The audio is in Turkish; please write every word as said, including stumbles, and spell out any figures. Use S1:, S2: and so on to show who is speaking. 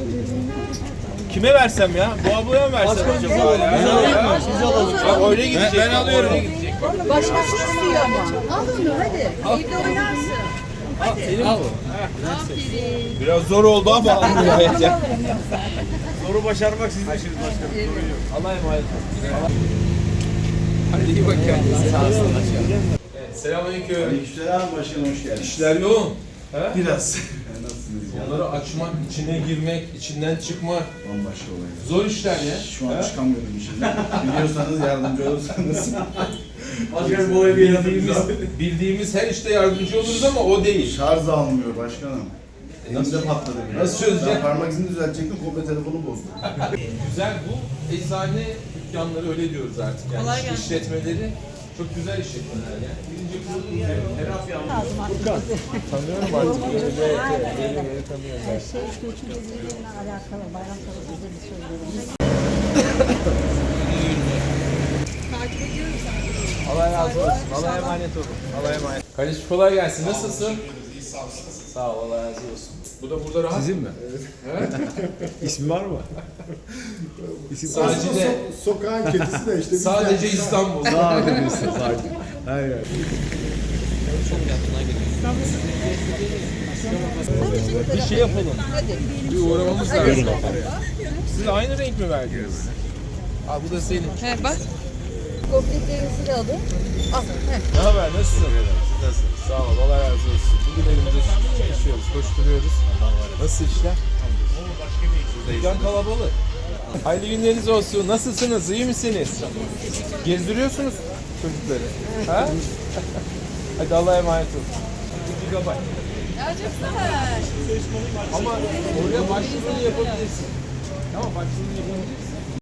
S1: Kime versem ya? Bu ablaya mı versem acaba ya?
S2: Biz alayım mı? Siz alalım.
S1: Bak öyle gidecek.
S2: Ben, ben alıyorum.
S1: Öyle gidecek.
S3: Başkası istiyor ama. Al onu hadi. Evde oynarsın.
S1: Senin al. Biraz zor oldu ama almıyor.
S2: Zoru başarmak sizin işiniz başkanım.
S1: Allah'a emanet olun. Hadi iyi bak kendinize. Sağ olsun başkanım. Selamünaleyküm.
S4: Aleykümselam başkanım, hoş geldiniz.
S1: İşler yoğun. He?
S4: Biraz. Nasılsınız ya?
S1: Onları açmak, içine girmek, içinden çıkmak.
S4: Bambaşka olaylar.
S1: Zor işler ya.
S4: Şu an çıkamıyorum içinden. Biliyorsanız yardımcı olursanız.
S2: Başkanım bu olayı bir
S1: Bildiğimiz, bildiğimiz her işte yardımcı oluruz ama o değil.
S4: Şarj almıyor başkanım. Elimde patladı biraz.
S1: Nasıl çözecek?
S4: Ben parmak izini düzeltecektim, komple telefonu bozdu.
S1: Güzel bu eczane dükkanları öyle diyoruz artık yani işletmeleri çok güzel işletmeler yani. Birinci kurulun terapi almış. Furkan. Tanıyorum artık. Öyle öyle öyle tanıyorum.
S3: Şey göçmenlerle alakalı bayram tarafında bir söylüyorum. Takip ediyoruz zaten.
S1: Allah razı olsun. Allah'a emanet olun. Allah'a emanet. Kardeşim kolay gelsin. Nasılsın? Sağ ol. Allah razı olsun. Bu da burada rahat. Sizin mi? Evet.
S5: İsmi var mı? İsim
S1: Sadece de
S5: sokağın kedisi de işte.
S1: sadece İstanbul.
S5: Daha önemlisi sadece. Hayır.
S1: Bir şey yapalım. Bir uğramamız lazım. Siz aynı renk mi verdiniz? Al bu da senin.
S3: He bak. Gofretlerinizi de alın. Al. He.
S1: Ne haber? Nasılsın? Nasılsın? Sağ ol. Allah razı olsun. Bugün elimizde çalışıyoruz, koşturuyoruz. Nasıl işler? Dükkan kalabalık. Hayırlı günleriniz olsun. Nasılsınız? İyi misiniz? Gezdiriyorsunuz çocukları. Ha? Hadi Allah'a emanet olun. Bir gigabyte.
S3: Ya çok güzel.
S1: Ama oraya başvurunu yapabilirsin. Tamam, başvurunu yapabilirsin.